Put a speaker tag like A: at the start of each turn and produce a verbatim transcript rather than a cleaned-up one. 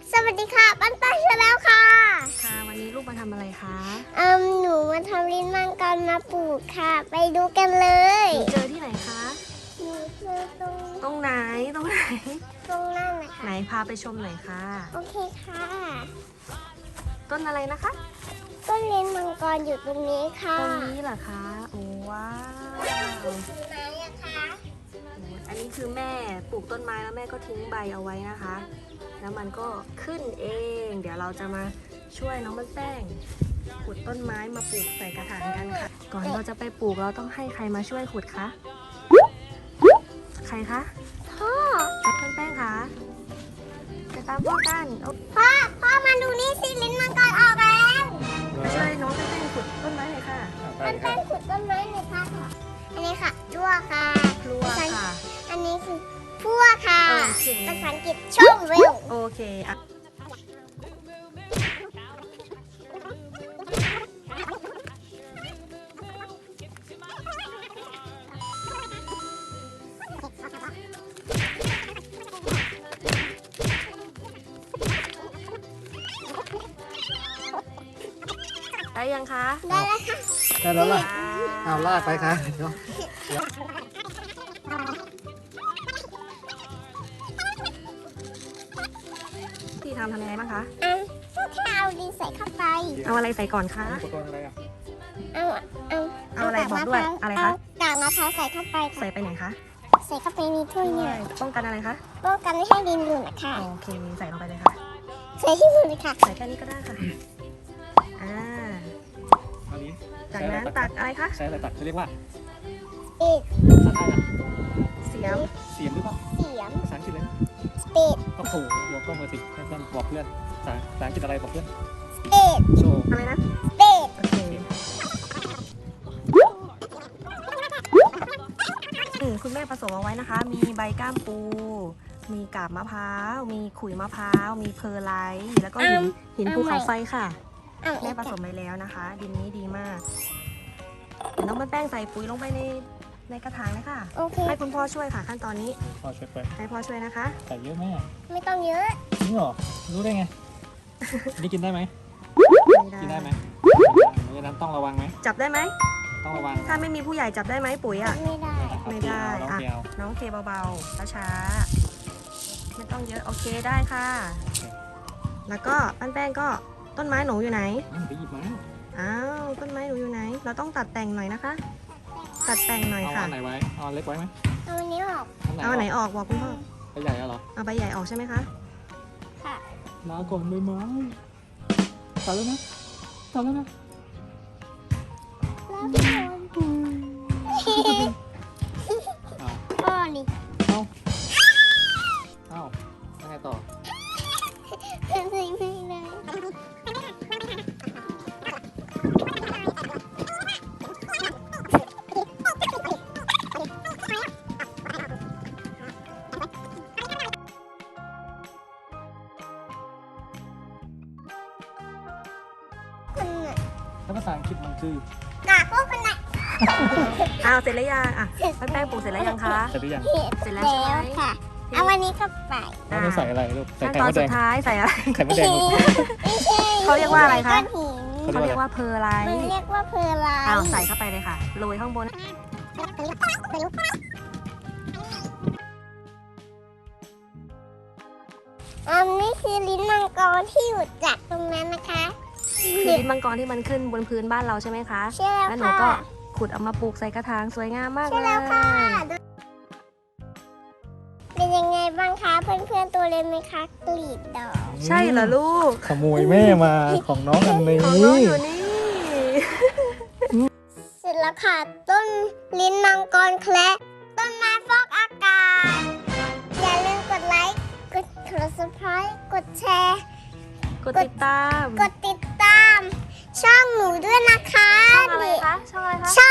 A: สวัสดีค่ะปั้นปั้นชาแล้วค่ะ
B: ค่ะวันนี้ลูกมาทำอะไรคะ
A: เอิมหนูมาทำลิ้นมังกรมาปลูกค่ะไปดูกันเลย
B: หนูเจอที่ไหนคะ
A: หนูเจอตรง
B: ตรงไหนตรงไหน
A: ตรงนั่นนะคะ
B: ไหนพาไปชมหน่อยค่ะ
A: โอเคค่ะ
B: ต้นอะไรนะคะ
A: ต้นลิ้นมังกรอยู่ตรงนี้ค่ะ
B: ต้นนี้เหรอคะโอ้ว้าว
A: ไหนอะคะ
B: อันนี้คือแม่ปลูกต้นไม้แล้วแม่ก็ทิ้งใบเอาไว้นะคะแล้วมันก็ขึ้นเองเดี๋ยวเราจะมาช่วยน้องมันแป้งขุดต้นไม้มาปลูกใส่กระถางกันค่ะก่อนเราจะไปปลูกเราต้องให้ใครมาช่วยขุดคะใครคะ
A: พ่อ
B: มันแป้งคะไปตามพ่อกัน
A: พ่อพ่อมาดูนี่สิลิ้นมังกรออกแล้ว
B: มาช่วยน้องแป้งขุดต้นไม้หน่อยค่ะ
A: มันแป้งขุดต้นไม้หน่อยค่ะอันนี้ค่ะดัวค่ะ
B: ดัวค่ะ
A: อันนี้คือพั่วค่ะภาษาอังกฤษชมเวล
B: โอเคอะได้ยังคะ
A: ได้แล้วค่ะ
C: ได้แล้วล่ะเอาลากไปค่ะเนาะ
B: ที่ทำทำยังไงบ้างคะ
A: อ่ะก็แค่เอาดินใส่เข้าไป
B: เอาอะไรใส่ก่อนคะ
C: อุปกรณ์อะไรอ่ะ
A: เอาเอา
B: เอาอะไรบอกด้วยอะไรคะ
A: กากมะพร้าวใส่เข้าไปค่ะ
B: ใส่ไปไหนคะ
A: ใส่เข้าไปในถ้วยเนี่ย
B: ป้องกันอะไรคะ
A: ป้องกันไม่ให้ดินหลุดนะคะ
B: โอเคใส่ลงไปเลยค่ะ
A: ใส่ที่มือเลยค่ะ
B: ใส่แค่นี้ก็ได้ค่ะอ่า
C: อันนี้
B: จากนั้นตักอะไรคะ
C: ใช้อะไรตักเขาเรียกว่า
A: เอ็ด
C: ภาษาไทยอ่ะ
B: เสียม
C: เสียมหรือเปล่า
A: เสียม
C: ภาษาอังกฤษเลย
A: สเต็ด
C: ก็โผล่หัวก็มือสิเพื่อนบอกเพื่อนภาษาภาษาอังกฤษอะไรบอกเพื่อน
A: สเต็ด
C: โชว์
B: อะไรนะ
A: สเต็ด
B: โอเคคุณแม่ผสมเอาไว้นะคะมีใบก้ามปูมีกาบมะพร้าวมีขุยมะพร้าวมีเพอร์ไลท์แล้วก็หินหินภูเขาไฟค่ะแม่ผสมไปแล้วนะคะดินนี้ดีมากเดี๋ยวน้องมันแป้งใส่ปุ๋ยลงไปในในกระถางเลยค่ะให้คุณพ่อช่วยค่ะขั้นตอนนี้
C: พ่อช่วยไป
B: ให้พ่อช่วยนะคะ
C: ใส่เยอะไหม
A: ไม่ต้องเยอะ
C: จริงเหรอรู้ได้ไงนี่กินได้ไหมกินได้ไหมเพราะฉะนั้นต้องระวังไหม
B: จับได้ไหม
C: ต้องระวัง
B: ถ้าไม่มีผู้ใหญ่จับได้ไหมปุ๋ยอ่ะ
A: ไม่ได้
B: ไม่ได้อ่ะน้องเทเบาๆช้าๆไม่ต้องเยอะโอเคได้ค่ะแล้วก็ปั้นแป้งก็ต้นไม้หนูอยู่ไหน
C: ไปหยิบมา
B: อ้าวต้นไม้หนูอยู่ไหนเราต้องตัดแต่งหน่อยนะคะตัดแต่งหน่อยค่ะ
C: เอาอันไหนไว้เอาเล็กไว้ไหม
A: เอาอันนี้ออก
B: เอาอันไหนออกบอกคุณพ่อ
C: ใบใหญ่เหรอ
B: เอาใบใหญ่ออกใช่ไหมคะ
A: ค่ะ
C: ลาก่อนใบไม้ตัดแล้วนะตัดแล้วนะ
A: พ่อนี่
C: เอาเอายังไงต่อ
A: ไม่ไม่เลย
C: แล้วภาษาอังกฤษมันคื
A: อกากพวกคนไหน
B: อ้าวเสร็จแล้วยังอ่ะปั้นแป้งปลูกเสร็จแล้วยังคะ
C: เสร็จหรือยัง
B: เสร็จแล้วใช่ไหม
A: ค่ะเอาวันนี้เข้าไป
C: แล้วใส่อะไรลูกใส่ไข่มดแดง
B: สุดท้ายใส่อะไร
C: ไข่มดแดง
B: เขาเรียกว่าอะไรคะเขาเรียกว่าเพอร์ไลท์
A: มันเรียกว่าเพอร์ไลท์
B: อ้าวใส่เข้าไปเลยค่ะโรยข้างบน
A: อันนี้คือลิ้นมังกรที่อยู่จากตรงนั้นนะคะ
B: คือลิ้นมังกรที่มันขึ้นบนพื้นบ้านเราใช่ไหมคะ
A: ใช่แล้วค่ะ
B: แล้วหนูก็ขุดเอามาปลูกใส่กระถางสวยงามมากเลย
A: ใช่แล้วค่ะเป็นยังไงบ้างคะเพื่อนๆตัวเล็กไหมคะกลีบดอก
B: ใช่เหรอลูก
C: ขโมยแม่มาของน้องอันนี้
B: ของน้องอยู่นี่
A: เสร็จแล้วค่ะต้นลิ้นมังกรแคระต้นไม้ฟอกอากาศอย่าลืมกดไลค์กด Subscribe กดแชร์
B: กดติดตาม
A: กดติดตามช่องหนูด้วยนะคะ
B: ช่องอะไรคะช่องอะไรคะ
A: ช่อง